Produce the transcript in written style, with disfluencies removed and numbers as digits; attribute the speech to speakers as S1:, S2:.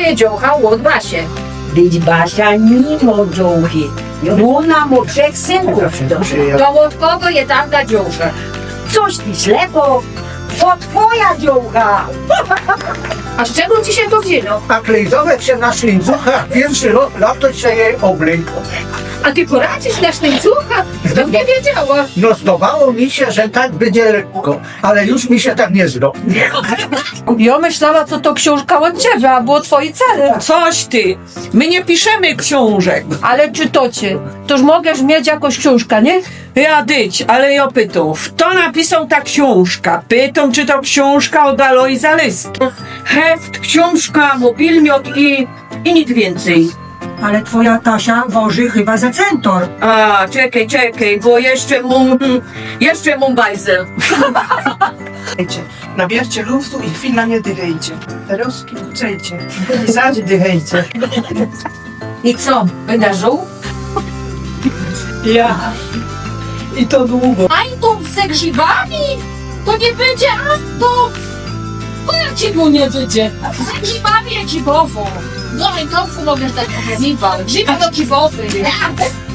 S1: twoje dziołcha łot Basie.
S2: Być Basia mimo dziołchy. Ona ma 3 synków.
S1: To od kogo je tam ta dziołcha?
S2: Coś ty ślepo. To twoja dziołcha.
S1: A z czego ci się to wzięło?
S3: A klejzowe się na szlincuchach pierwszy lato się jej oblękło.
S1: A ty poradzisz na sztyńcucha? To nie wiedziała.
S3: No zdawało mi się, że tak będzie lekko, ale już mi się tak nie zda.
S4: Ja myślała, co to książka od ciebie, a było twoje cele.
S5: Coś ty! My nie piszemy książek.
S4: Ale czy to cię? Toż możesz mieć jakąś książkę, nie?
S5: Ja dyć, ale ja pytam, kto napisał ta książka? Pytam, czy to książka od Aloi Zaleski. Heft, książka, mobilmiot i nic więcej.
S6: Ale twoja Tasia woży chyba za centor.
S5: A, czekaj, bo jeszcze mam bajzel.
S7: Nabierzcie luftu i chwila nie dychajcie. Teraz kucajcie. I zaś dychajcie.
S1: I co, wydarzył?
S7: Ja. I to długo.
S1: Antów ze grzybami? To nie będzie Antów! To jak ci mu nie wyjdzie? Ze grzybami jak grzybowo. No i tofu mogę tak nazywać. Grzyby to grzybowy.